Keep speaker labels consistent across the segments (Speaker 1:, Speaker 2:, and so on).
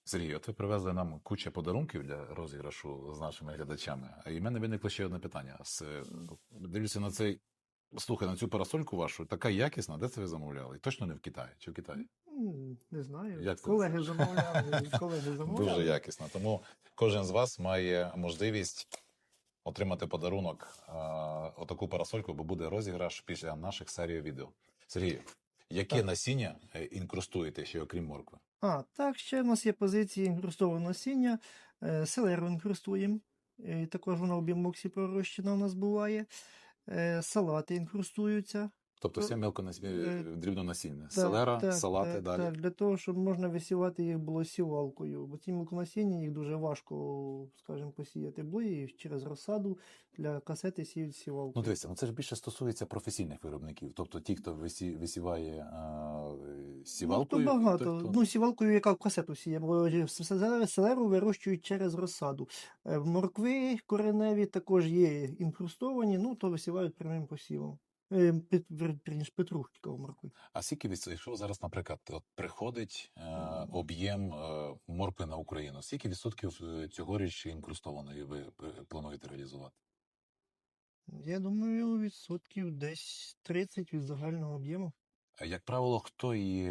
Speaker 1: Сергій, от ви привезли нам кучу подарунків для розіграшу з нашими глядачами. А і в мене виникло ще одне питання. Дивлюся на цей, слухай, на цю парасольку вашу, така якісна, де це ви замовляли? Точно не в Китаї? Чи в Китаї?
Speaker 2: Не знаю.
Speaker 1: Як це?
Speaker 2: Колеги замовляли, колеги
Speaker 1: Дуже
Speaker 2: замовляли.
Speaker 1: якісна. Тому кожен з вас має можливість отримати подарунок отаку парасольку, бо буде розіграш після наших серій відео. Сергій, яке
Speaker 2: Так.
Speaker 1: насіння інкрустуєте ще окрім моркви?
Speaker 2: Так, ще в нас є позиції інкрустованого насіння, селеру інкрустуємо, також вона в бімоксі пророщена у нас буває, салати інкрустуються.
Speaker 1: Тобто все
Speaker 2: Е,
Speaker 1: дрібнонасінне. Селера, салати, далі.
Speaker 2: Так, для того, щоб можна висівати їх було сівалкою, бо ці мілконасіння їх дуже важко, скажімо, посіяти було, і через розсаду для касети сіють
Speaker 1: Ну,
Speaker 2: сівалкою.
Speaker 1: дивіться, це ж більше стосується професійних виробників. Тобто ті, хто висіває сівалкою.
Speaker 2: Ну, то багато.
Speaker 1: той, хто...
Speaker 2: Ну, сівалкою, яка в касету сіє, бо селеру вирощують через розсаду. Моркви кореневі також є інкрустовані, ну, то висівають прямим посівом. Петрушки моркви.
Speaker 1: А скільки якщо зараз, наприклад, от приходить об'єм моркви на Україну, скільки відсотків цьогоріч інкрустованої ви плануєте реалізувати?
Speaker 2: Я думаю, відсотків десь 30 від загального об'єму.
Speaker 1: Як правило, хто її,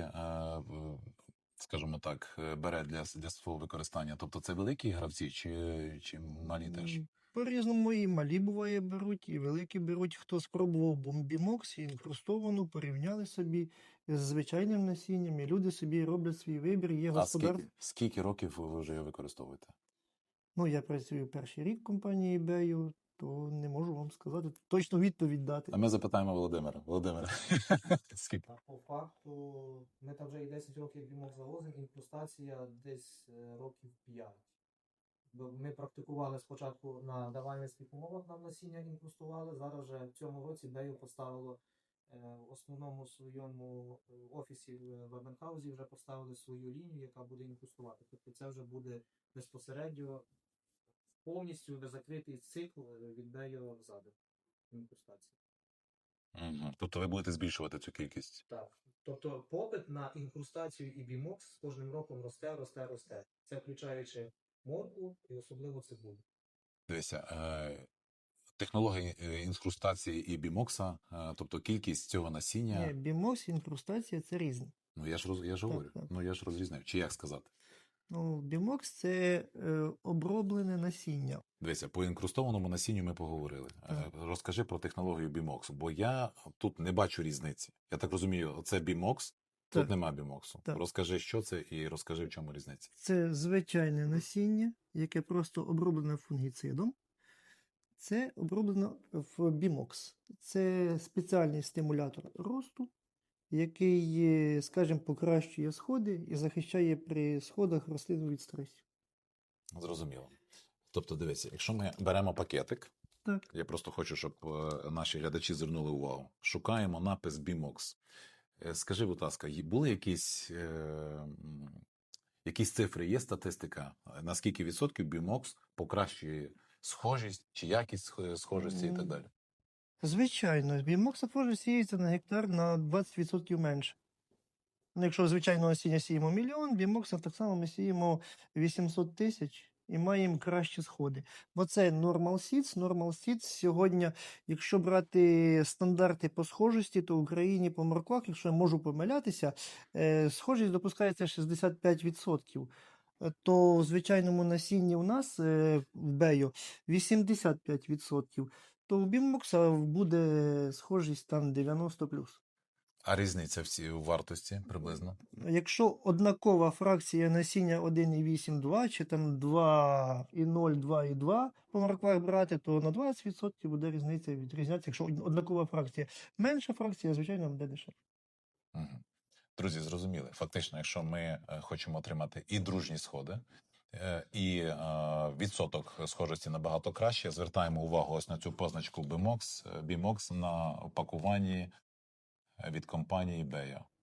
Speaker 1: скажімо так, бере для свого використання? Тобто це великі гравці чи малі теж?
Speaker 2: По-різному і малі буває беруть, і великі беруть. Хто спробував бомбімокс, інкрустовану, порівняли собі з звичайним насінням, і люди собі роблять свій вибір, є господарство.
Speaker 1: Скільки років ви вже його використовуєте?
Speaker 2: Ну, я працюю перший рік в компанії eBay, то не можу вам сказати, точно відповідь дати.
Speaker 1: А ми запитаємо Володимира. Володимире, скільки?
Speaker 3: По факту, ми там вже і 10 років бімок завозимо, інкрустація десь років 5. Бо ми практикували спочатку на давальницьких умовах, нам насіння інкрустували, зараз вже в цьому році Бею поставило в основному своєму офісі в Абенхаузі вже поставили свою лінію, яка буде інкрустувати. Тобто це вже буде безпосередньо повністю закритий цикл від Бею ззаду інкрустації.
Speaker 1: Угу. Тобто ви будете збільшувати цю кількість?
Speaker 3: Так. Тобто попит на інкрустацію і бімокс з кожним роком росте. Це включаючи моркву і особливо цибулю.
Speaker 1: Дивіться, технологія інкрустації і бімокса, тобто кількість цього насіння.
Speaker 2: Ні, бімокс, інкрустація – це різне.
Speaker 1: Ну я ж говорю,
Speaker 2: так.
Speaker 1: ну я ж розрізняю. Чи як сказати?
Speaker 2: Ну, бімокс – це оброблене насіння.
Speaker 1: Дивіться, по інкрустованому насінню ми поговорили. Розкажи про технологію бімоксу, бо я тут не бачу різниці. Я так розумію, це бімокс, тут
Speaker 2: Так.
Speaker 1: нема бімоксу.
Speaker 2: Так.
Speaker 1: Розкажи, що це, і розкажи, в чому різниця.
Speaker 2: Це звичайне насіння, яке просто оброблене фунгіцидом. Це оброблено в бімокс. Це спеціальний стимулятор росту, який, скажімо, покращує сходи і захищає при сходах рослину від стресів.
Speaker 1: Зрозуміло. Тобто, дивіться, якщо ми беремо пакетик,
Speaker 2: Так.
Speaker 1: я просто хочу, щоб наші глядачі звернули увагу. Шукаємо напис бімокс. Скажи, будь ласка, були якісь цифри, є статистика, на скільки відсотків бімокс покращує схожість чи якість схожості і так далі?
Speaker 2: Звичайно, бімокс також сіється на гектар на 20% менше. Ну, якщо звичайного насіння сіємо 1 мільйон, бімокса так само ми сіємо 800 тисяч і маємо кращі сходи. Бо це Normal Seeds. Normal Seeds сьогодні, якщо брати стандарти по схожості, то в Україні по морквах, якщо я можу помилятися, схожість допускається 65%. То в звичайному насінні у нас в Бею 85%. То в бімокса буде схожість там 90+.
Speaker 1: А різниця в вартості приблизно?
Speaker 2: Якщо однакова фракція насіння 1,8-2, чи там 2,0, 2,2 по морквах брати, то на 20% буде різниця відрізнятися. Якщо однакова фракція. Менша фракція, звичайно, буде дешевше.
Speaker 1: Угу. Друзі, зрозуміли. Фактично, якщо ми хочемо отримати і дружні сходи, і відсоток схожості набагато краще, звертаємо увагу ось на цю позначку BIMOX на опакуванні від компанії Beyo.